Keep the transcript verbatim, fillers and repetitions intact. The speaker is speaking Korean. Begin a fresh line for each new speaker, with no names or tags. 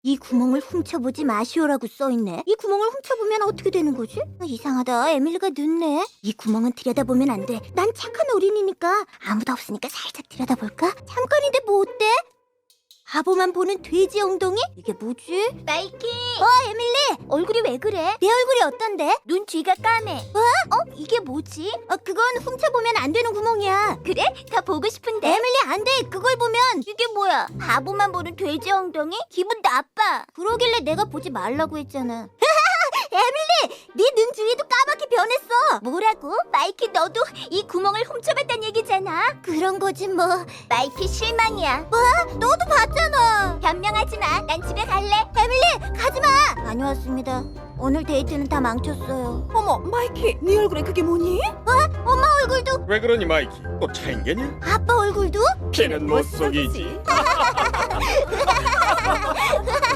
이 구멍을 훔쳐보지 마시오라고 써있네. 이 구멍을 훔쳐보면 어떻게 되는 거지? 아, 이상하다. 에밀리가 늦네. 이 구멍은 들여다보면 안 돼. 난 착한 어린이니까. 아무도 없으니까 살짝 들여다볼까? 잠깐인데 뭐 어때? 바보만 보는 돼지 엉덩이? 이게 뭐지?
마이키,
어, 에밀리! 얼굴이 왜 그래? 내 얼굴이 어떤데?
눈 뒤가 까매.
어? 어? 이게 뭐지? 어, 그건 훔쳐보면 안 되는 구멍이야.
그래? 더 보고 싶은데.
에밀리, 안 돼! 그걸 보면!
이게 뭐야? 바보만 보는 돼지 엉덩이? 기분 나빠.
그러길래 내가 보지 말라고 했잖아. 에밀리! 네 눈 주위도 까맣게 변했어!
뭐라고? 마이키, 너도 이 구멍을 훔쳐봤단 얘기잖아.
그런 거지 뭐.
마이키 실망이야.
너도 봤잖아.
변명하지 마. 난 집에 갈래.
에밀리, 가지마! 다녀왔습니다. 오늘 데이트는 다 망쳤어요.
어머, 마이키, 네 얼굴에 그게 뭐니?
엄마 얼굴도,
왜 그러니 마이키? 또 차인게냐?
아빠 얼굴도?
피는 못 속이지.